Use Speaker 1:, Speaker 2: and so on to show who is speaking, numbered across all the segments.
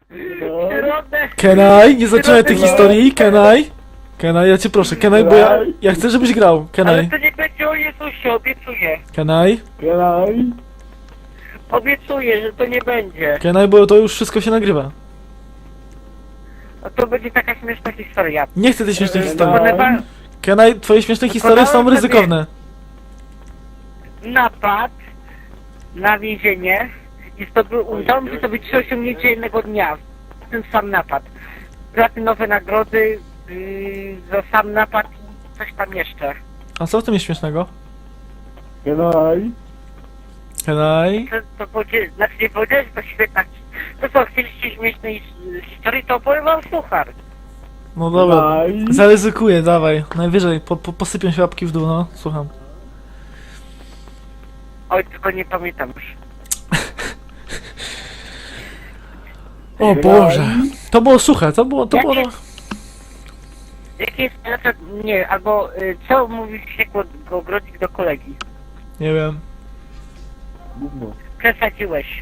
Speaker 1: Środek.
Speaker 2: Kenai, nie zaczynaj tej historii, Kenai. Kenai, ja cię proszę, Kenai, bo ja chcę, żebyś grał.
Speaker 1: Ale
Speaker 2: Kenai,
Speaker 1: to nie będzie o Jezusie, obiecuję.
Speaker 2: Kenai,
Speaker 3: Graj.
Speaker 1: Obiecuję, że to nie będzie.
Speaker 2: Kenai, bo to już wszystko się nagrywa.
Speaker 1: A to będzie taka śmieszna historia.
Speaker 2: Nie chcę tej śmiesznej historii.
Speaker 1: Ponieważ
Speaker 2: Kenai, twoje śmieszne historie są ryzykowne.
Speaker 1: napad na więzienie i udało mi się to być 3 osiągnięcie jednego dnia. Ten sam napad. Platynowe nagrody za sam napad i coś tam jeszcze.
Speaker 2: A co w tym jest śmiesznego?
Speaker 3: Graj.
Speaker 2: Kenai?
Speaker 1: To powiedzieć, znaczy nie powiedziałeś, to świetna. To co, chcieliście śmiesznej historii, to opowiem wam suchar.
Speaker 2: No dobra,
Speaker 3: Graj.
Speaker 2: zaryzykuję, dawaj. Najwyżej, posypią się łapki w dół, no, słucham.
Speaker 1: Oj, tylko nie pamiętam już.
Speaker 2: O Boże, to było suche, to było...
Speaker 1: Jakie jest, nie, albo co mówił się Grodzik do kolegi?
Speaker 2: Nie wiem.
Speaker 3: Gówno.
Speaker 1: Przesadziłeś.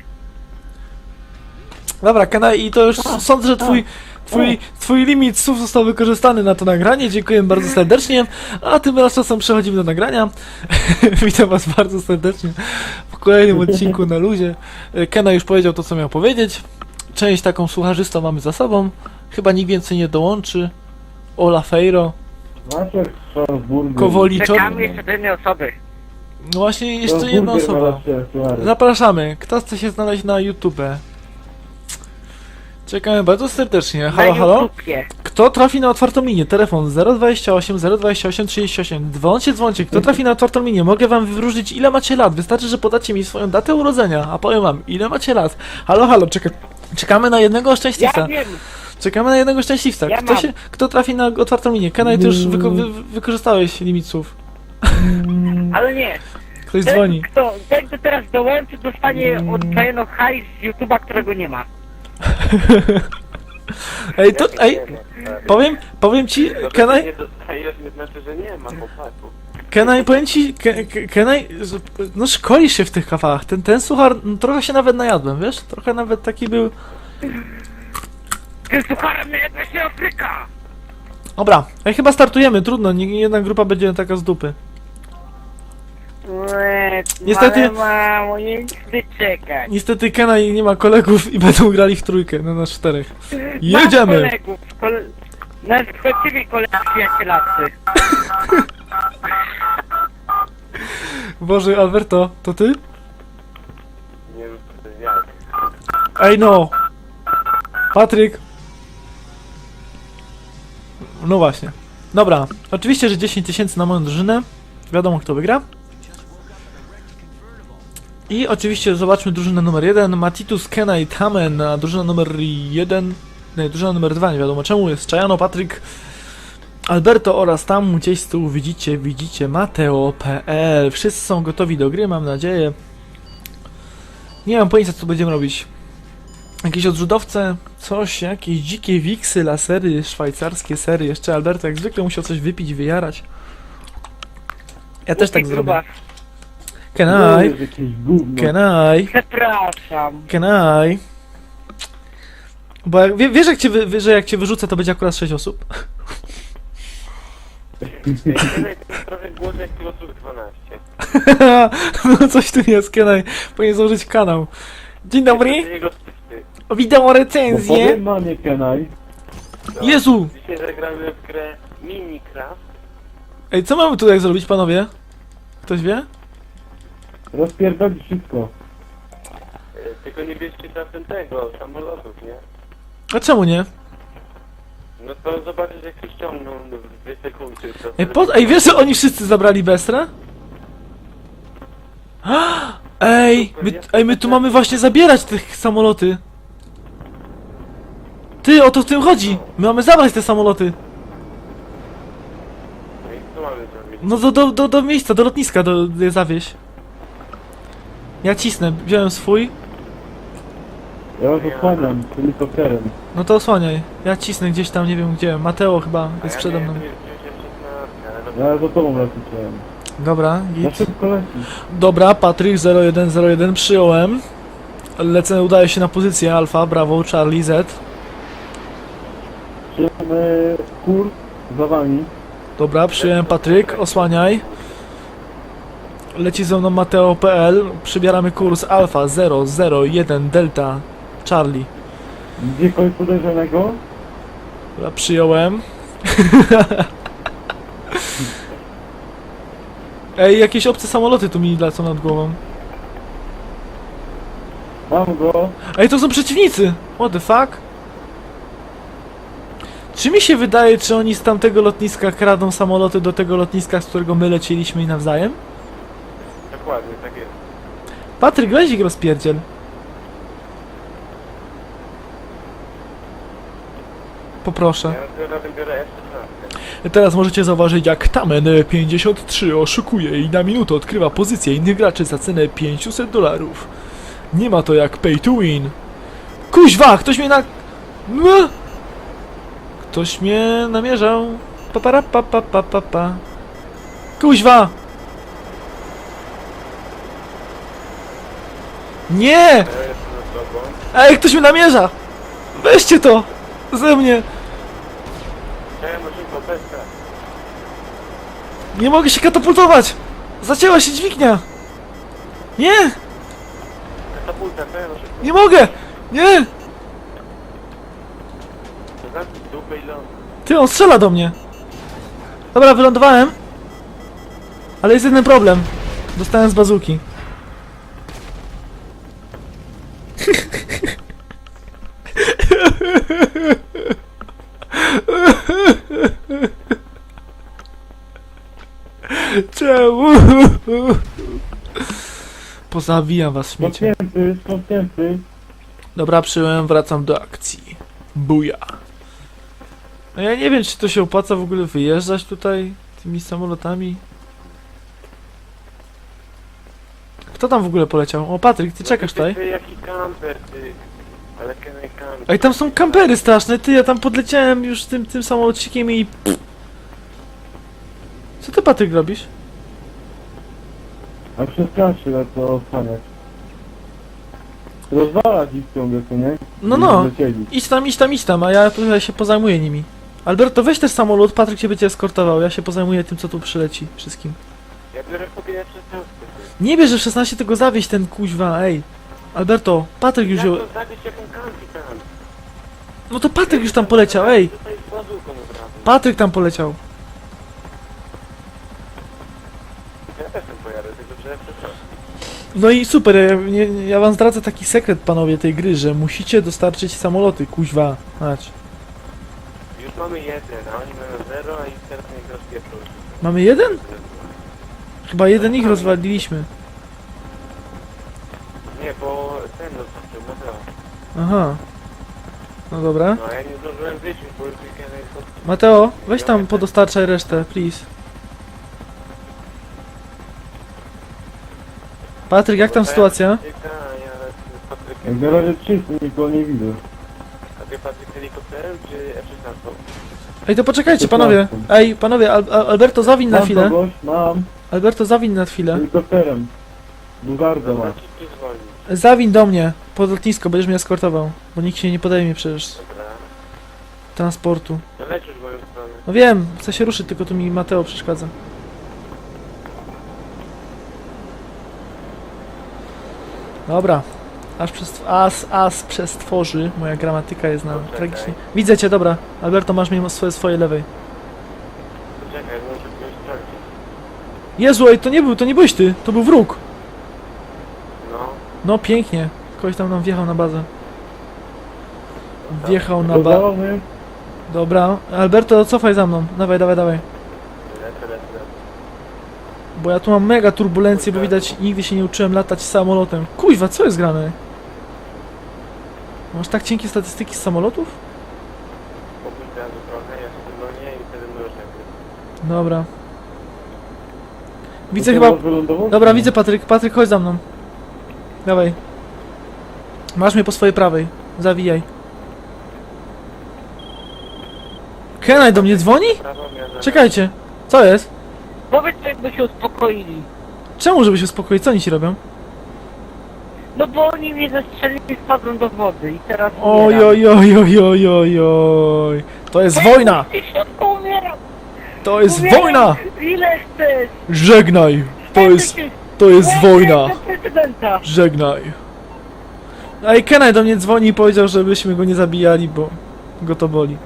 Speaker 2: Dobra, Kenai, i to już sądzę, że twój limit słów został wykorzystany na to nagranie. Dziękuję bardzo serdecznie. A tymczasem przechodzimy do nagrania. Witam was bardzo serdecznie w kolejnym odcinku na luzie. Kenai już powiedział to, co miał powiedzieć. Część taką słucharzystą mamy za sobą. Chyba nikt więcej nie dołączy. Ola Fejro,
Speaker 3: Maciek Strasburger.
Speaker 2: Kowoliczok.
Speaker 1: Czekamy jeszcze do jednej osoby.
Speaker 2: No właśnie, jeszcze jedna osoba. Zapraszamy. Kto chce się znaleźć na YouTube? Czekamy bardzo serdecznie. Halo,
Speaker 1: Na
Speaker 2: halo?
Speaker 1: YouTubie.
Speaker 2: Kto trafi na otwartą linię? Telefon 028 028 38. Dzwoncie. Kto trafi na otwartą linię? Mogę wam wyróżnić, ile macie lat. Wystarczy, że podacie mi swoją datę urodzenia, a powiem wam, ile macie lat. Halo, halo, czekamy na jednego szczęśliwca.
Speaker 1: Ja wiem.
Speaker 2: Czekamy na jednego szczęśliwca.
Speaker 1: Ja mam.
Speaker 2: Kto trafi na otwartą linię? Kenai, ty już wykorzystałeś limit słów.
Speaker 1: Ale nie.
Speaker 2: Ktoś dzwoni.
Speaker 1: Ten, kto teraz dołączy, dostanie odklejeno hajs z YouTube'a, którego nie ma.
Speaker 2: Powiem ci, Kenai,
Speaker 4: Nie dostajesz, nie znaczy, że nie ma chłopaków.
Speaker 2: Kenai, powiem ci, Kenai, no szkolisz się w tych kawałach. Ten suchar, no, trochę się nawet najadłem, wiesz? Trochę nawet taki był...
Speaker 1: Tym sucharem nie jedna się Afryka!
Speaker 2: Dobra, chyba startujemy, trudno, nie jedna grupa będzie taka z dupy. Niestety-
Speaker 1: Mamo, nie chcę czekać.
Speaker 2: Niestety Kenai nie ma kolegów i będą grali w trójkę, na nas 4.
Speaker 1: Mam
Speaker 2: Jedziemy!
Speaker 1: kolegów, na właściwie kolegów przyjacielacy.
Speaker 2: Boże, Alberto, to ty?
Speaker 4: Nie wiem, jak.
Speaker 2: Ej no! Patryk! No właśnie. Dobra, oczywiście, że 10 000 na moją drużynę. Wiadomo, kto wygra. I oczywiście zobaczmy drużynę numer 1. Matitus, Kenai, Tamen, a drużyna numer 1... Nie, drużyna numer 2, nie wiadomo czemu, jest Czajano, Patryk, Alberto oraz tam gdzieś z tyłu widzicie Mateo.pl. Wszyscy są gotowi do gry, mam nadzieję. Nie mam pojęcia, co będziemy robić. Jakieś odrzutowce, coś, jakieś dzikie wiksy, lasery, szwajcarskie sery. Jeszcze Alberto jak zwykle musiał coś wypić, wyjarać. Ja też tak zrobię. Kenai, Kenai,
Speaker 1: Przepraszam.
Speaker 2: Kenai. Bo wiesz że jak cię wyrzucę, to będzie akurat 6 osób?
Speaker 4: Trochę głos jak Filosów 12.
Speaker 2: No coś tu jest, Kenai. Powinien założyć kanał. Dzień dobry,
Speaker 4: Jego wstyd.
Speaker 2: witam o
Speaker 3: No
Speaker 2: recenzję.
Speaker 3: powiem mamie, Kenai.
Speaker 2: Jezu!
Speaker 4: Dzisiaj zagramy w grę Minecraft.
Speaker 2: Ej, co mamy tutaj zrobić, panowie? Ktoś wie?
Speaker 3: Rozpierdolić wszystko.
Speaker 4: Tylko nie bierzcie czasem tego, samolotów, nie?
Speaker 2: A czemu nie?
Speaker 4: No to zobaczysz jak się ściągną w 2 sekundy.
Speaker 2: Ej, wiesz, że oni wszyscy zabrali Bestra? My tu mamy właśnie zabierać te samoloty. Ty, o to w tym chodzi. My mamy zabrać te samoloty.
Speaker 4: No i co mamy zrobić?
Speaker 2: No do miejsca, do lotniska je zawieź. Ja cisnę, wziąłem swój.
Speaker 3: Ja was osłaniam helikopterem.
Speaker 2: No to osłaniaj. Ja cisnę gdzieś tam, nie wiem gdzie. Mateo chyba jest przede mną.
Speaker 3: Ja za tobą leciałem.
Speaker 2: Dobra,
Speaker 3: Na
Speaker 2: git.
Speaker 3: szybko lecisz.
Speaker 2: Dobra, Patryk 0101 przyjąłem. Lecę, udaje się na pozycję Alfa, brawo, Charlie Z.
Speaker 3: Przyjemy kurs za wami.
Speaker 2: Dobra, przyjąłem Patryk, osłaniaj. Leci ze mną Mateo.pl, przybieramy kurs Alfa 001 Delta Charlie.
Speaker 3: Gdzie kogoś podejrzanego?
Speaker 2: Dobra, przyjąłem. Ej, jakieś obce samoloty tu mi lecą nad głową.
Speaker 3: Mam go.
Speaker 2: Ej, to są przeciwnicy! What the fuck? Czy mi się wydaje, czy oni z tamtego lotniska kradą samoloty do tego lotniska, z którego my leciliśmy i nawzajem?
Speaker 4: Dokładnie, tak jest.
Speaker 2: Patryk, weź ich rozpierdziel. Poproszę.
Speaker 4: Ja na tym biorę F-16.
Speaker 2: Teraz możecie zauważyć, jak Tamen 53 oszukuje i na minutę odkrywa pozycję innych graczy za cenę $500. Nie ma to jak pay to win. Kuźwa, ktoś mnie No! Ktoś mnie namierzał. Papara pa pa pa pa pa. Kuźwa! Nie!
Speaker 4: Ja jestem na tobą.
Speaker 2: Ej, ktoś mnie namierza! Weźcie to! Ze mnie!
Speaker 4: Chciałem na szybko peskę.
Speaker 2: Nie mogę się katapultować! Zacięła się dźwignia! Nie!
Speaker 4: Katapulta, chciałem na szybko.
Speaker 2: Nie mogę! Nie!
Speaker 4: Zamknij dupę i ląd.
Speaker 2: Ty, on strzela do mnie! Dobra, wylądowałem. Ale jest jeden problem. Dostałem z bazuki. Czemu? Pozawijam was, śmiecie.
Speaker 3: Skąpnięty.
Speaker 2: Dobra, przyjąłem, wracam do akcji. Buja. No ja nie wiem, czy to się opłaca w ogóle wyjeżdżać tutaj tymi samolotami. Kto tam w ogóle poleciał? O, Patryk, ty czekasz tutaj?
Speaker 4: Ty jaki kamper, ty. Ale kenaj kamper.
Speaker 2: Ej, tam są kampery straszne, ty, ja tam podleciałem już tym samolocikiem i... Co ty, Patryk, robisz?
Speaker 3: A przez kraszy lecę osłaniać. Rozwalać ich ciągle, co nie?
Speaker 2: No, no.
Speaker 3: Lecieli.
Speaker 2: Idź tam, a ja tutaj się pozajmuję nimi. Alberto, weź też samolot, Patryk cię będzie eskortował, ja się pozajmuję tym, co tu przyleci, wszystkim.
Speaker 4: Ja biorę sobie F-16.
Speaker 2: Nie bierz, że w 16 tego zawieź ten kuźwa, ej. Alberto, Patryk już
Speaker 4: Jak
Speaker 2: ją...
Speaker 4: to zabić jaką kampi tam?
Speaker 2: No to Patryk już tam poleciał, ej.
Speaker 4: Tutaj z bazuką od razu.
Speaker 2: Patryk tam poleciał.
Speaker 4: Ja też tam pojadę, tylko że F-16.
Speaker 2: No i super, ja wam zdradzę taki sekret, panowie, tej gry, że musicie dostarczyć samoloty, kuźwa. Chodź.
Speaker 4: Już mamy jeden, a oni mają 0, a i teraz niech rozpieprzą.
Speaker 2: Mamy jeden? Chyba jeden ich rozwaliliśmy.
Speaker 4: Nie, bo ten rozpoczął, Mateo.
Speaker 2: Aha. No dobra.
Speaker 4: No a ja nie zdążyłem wyjść, bo już weekend jest od...
Speaker 2: Mateo, weź tam podostarczaj resztę, please. Patryk, jak tam sytuacja?
Speaker 4: Ja z Patrykiem.
Speaker 3: Jak na razie czysty, nikogo nie widzę.
Speaker 4: A ty Patryk helikopterem czy F-16?
Speaker 2: Ej, to poczekajcie, panowie. Ej, panowie, Alberto, zawin na
Speaker 3: Mam
Speaker 2: chwilę.
Speaker 3: kogoś, mam.
Speaker 2: Alberto, zawin na chwilę.
Speaker 3: Helikopterem. Bugardę
Speaker 4: Dobra,
Speaker 3: ma.
Speaker 4: ci tu zwolnić.
Speaker 2: Zawin do mnie, pod lotnisko, będziesz mnie eskortował. Bo nikt się nie podejmie przecież
Speaker 4: Dobra.
Speaker 2: transportu.
Speaker 4: No lecisz w moją stronę.
Speaker 2: No wiem, chcę się ruszyć, tylko tu mi Mateo przeszkadza. Dobra. Aż przestworzy. Moja gramatyka jest na
Speaker 4: Poczekaj.
Speaker 2: tragicznie. Widzę cię, dobra. Alberto, masz mnie swojej lewej.
Speaker 4: Poczekaj, muszę kogoś sprawdzić.
Speaker 2: Jezu, ej, to nie byłeś ty, to był wróg.
Speaker 4: No.
Speaker 2: No, pięknie. Kogoś tam nam wjechał na bazę. Wjechał na bazę.
Speaker 3: Rozwalony.
Speaker 2: Dobra. Alberto, cofaj za mną. Dawaj.
Speaker 4: Lecę.
Speaker 2: Bo ja tu mam mega turbulencję, bo widać, nigdy się nie uczyłem latać samolotem. Kuźwa, co jest grane? Masz tak cienkie statystyki z samolotów?
Speaker 4: Popójdź teraz trochę, ja się zwolnię i wtedy możesz jakby.
Speaker 2: Dobra. Widzę
Speaker 3: To
Speaker 2: chyba...
Speaker 3: teraz wylądował?
Speaker 2: Dobra, widzę Patryk. Patryk, chodź za mną. Dawaj. Masz mnie po swojej prawej. Zawijaj. Kenai do mnie dzwoni?
Speaker 4: Prawo miarę.
Speaker 2: Czekajcie. Co jest?
Speaker 1: Powiedz, jakby się uspokoili.
Speaker 2: Czemu, żeby się uspokoić? Co oni ci robią?
Speaker 1: No bo oni mnie zastrzelili i spadłem do wody i teraz
Speaker 2: Oj,
Speaker 1: umieram.
Speaker 2: oj, oj, oj, oj, oj, oj. To jest wojna!
Speaker 1: W środku umieram!
Speaker 2: To jest
Speaker 1: Umieram!
Speaker 2: wojna!
Speaker 1: Ile chcesz?
Speaker 2: Żegnaj! To jest wojna!
Speaker 1: Do prezydenta!
Speaker 2: Żegnaj. A i Kenai do mnie dzwoni i powiedział, żebyśmy go nie zabijali, bo go to boli.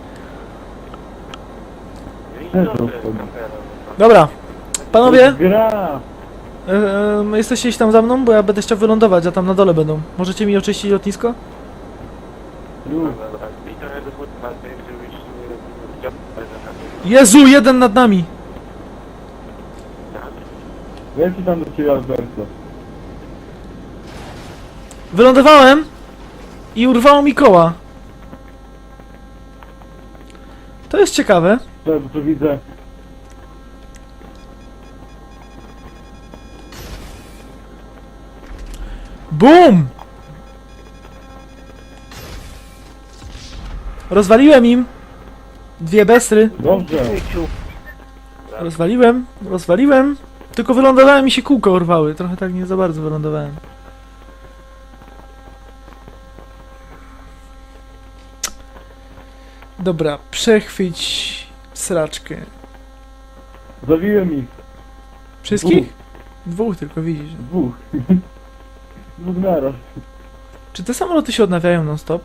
Speaker 4: No i dobrze, kampera.
Speaker 2: Dobra. Panowie,
Speaker 3: Gra!
Speaker 2: jesteście gdzieś tam za mną, bo ja będę chciał wylądować, a tam na dole będą. Możecie mi oczyścić lotnisko?
Speaker 3: Już.
Speaker 4: Dobra, i trochę do futbolu, żebyś nie chciał
Speaker 2: Jezu, jeden nad nami!
Speaker 3: Leci tam do ciebie, Alberto.
Speaker 2: Wylądowałem i urwało mi koła. To jest ciekawe.
Speaker 3: To widzę.
Speaker 2: BUM! Rozwaliłem im dwie besry.
Speaker 3: Dobrze.
Speaker 2: Rozwaliłem. Tylko wylądowałem i się kółko urwały. Trochę tak nie za bardzo wylądowałem. Dobra, przechwyć sraczkę.
Speaker 3: Zabiłem ich.
Speaker 2: Wszystkich? Dwóch tylko widzisz.
Speaker 3: Dwóch. Dwóch naraz.
Speaker 2: Czy te samoloty się odnawiają non stop?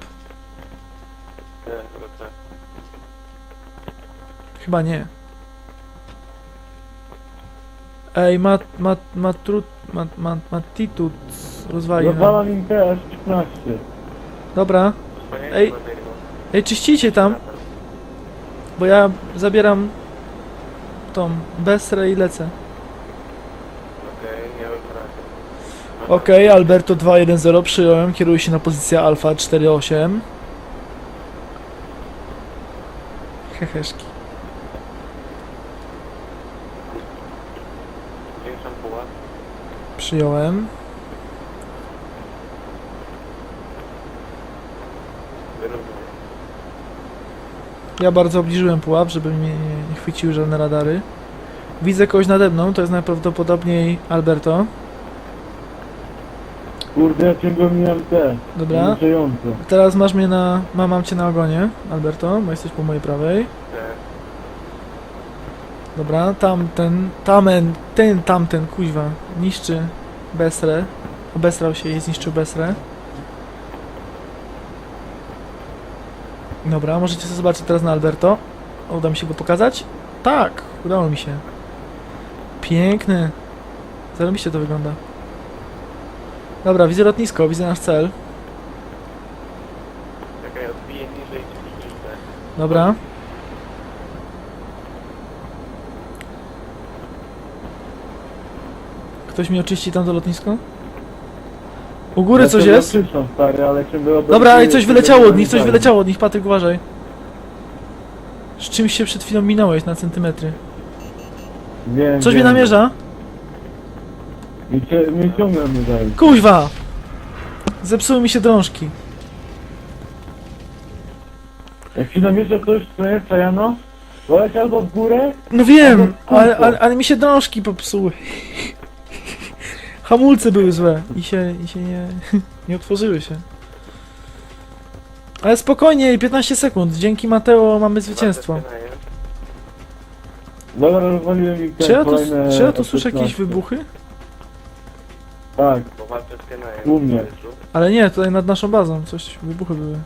Speaker 2: Chyba nie. Ej, Matitut rozwalił nam.
Speaker 3: Rozwalam im TS-15.
Speaker 2: Dobra. Ej. Ej, czyścicie tam, bo ja zabieram tą Besrę i lecę.
Speaker 4: Okej, nie rozwracam.
Speaker 2: Okej, Alberto 210 przyjąłem, kieruję się na pozycję Alfa 48. Heheszki.
Speaker 4: Zwiększam pułap.
Speaker 2: Przyjąłem.
Speaker 4: Wyrównuję.
Speaker 2: Ja bardzo obniżyłem pułap, żeby mnie nie chwyciły żadne radary. Widzę kogoś nade mną, to jest najprawdopodobniej Alberto.
Speaker 3: Kurde, ja ciągle mijam te.
Speaker 2: Dobra.
Speaker 3: Zniszczające.
Speaker 2: Teraz masz mnie na... mam cię na ogonie, Alberto, bo jesteś po mojej prawej.
Speaker 4: Tak.
Speaker 2: Dobra, tamten, kuźwa, niszczy Besrę. Obesrał się i zniszczył Besrę. Dobra, możecie sobie zobaczyć teraz na Alberto. Uda mi się go pokazać? Tak, udało mi się. Piękny. Zarobiście to wygląda. Dobra, widzę lotnisko, widzę nasz cel.
Speaker 4: Czekaj, odbiję niżej ci liczbę.
Speaker 2: Dobra. Ktoś mi oczyści tam to lotnisko? U góry
Speaker 3: Ja
Speaker 2: coś
Speaker 3: ciągle
Speaker 2: jest?
Speaker 3: krzyczą, stary, ale ciągle
Speaker 2: Dobra, ej, coś
Speaker 3: ciągle
Speaker 2: wyleciało od nich, coś
Speaker 3: zamykają.
Speaker 2: wyleciało od nich, Patryk, uważaj. Z czymś się przed chwilą minąłeś na centymetry.
Speaker 3: Wiem,
Speaker 2: Coś
Speaker 3: wiem.
Speaker 2: mnie namierza?
Speaker 3: Mnie ciągle mnie daje.
Speaker 2: Kuźwa! Zepsuły mi się drążki.
Speaker 3: Jak ci namierza ktoś, co jest Sajano, to leci albo w górę,
Speaker 2: No wiem,
Speaker 3: Ale
Speaker 2: ale mi się drążki popsuły. Hamulce były złe i się nie otworzyły się. Ale spokojnie, 15 sekund. Dzięki Mateo mamy zwycięstwo.
Speaker 3: dobra, rozwaliłem ich te
Speaker 2: Czy ja tu
Speaker 3: kolejne
Speaker 2: słyszę jakieś
Speaker 3: F-16.
Speaker 2: wybuchy?
Speaker 3: Tak,
Speaker 4: Bo walczę z Kenajem.
Speaker 3: U mnie.
Speaker 2: Ale nie, tutaj nad naszą bazą coś, wybuchy były.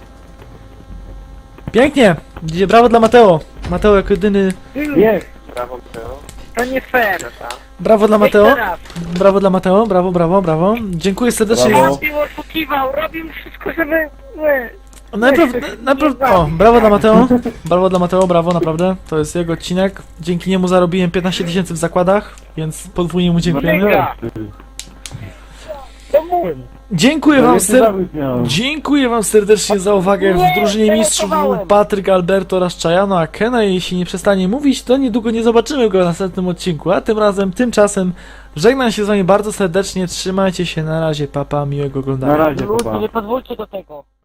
Speaker 2: Pięknie! Brawo dla Mateo! Mateo jako jedyny...
Speaker 3: bieg!
Speaker 4: Brawo, Mateo.
Speaker 1: To nie fair.
Speaker 2: Brawo dla Mateo!
Speaker 1: Jeszcze raz.
Speaker 2: Brawo dla Mateo, brawo, brawo, brawo. Dziękuję serdecznie.
Speaker 3: Brawo.
Speaker 1: Robił, oszukiwał, robił wszystko, żeby...
Speaker 2: Najpierw... O, brawo dla Mateo. Brawo dla Mateo, brawo, naprawdę. To jest jego odcinek. Dzięki niemu zarobiłem 15 000 w zakładach, więc podwójnie mu dziękujemy.
Speaker 1: Mega. To mój.
Speaker 2: Dziękuję wam serdecznie.
Speaker 3: miałem.
Speaker 2: Dziękuję wam serdecznie za uwagę. W drużynie mistrzów był Patryk, Alberto oraz Chayano, a Kena, jeśli nie przestanie mówić, to niedługo nie zobaczymy go w następnym odcinku. A tymczasem żegnam się z wami bardzo serdecznie. Trzymajcie się, na razie, papa, miłego
Speaker 3: Na
Speaker 2: oglądania.
Speaker 3: razie,
Speaker 1: Ludzie,
Speaker 3: papa.
Speaker 1: nie pozwólcie do tego.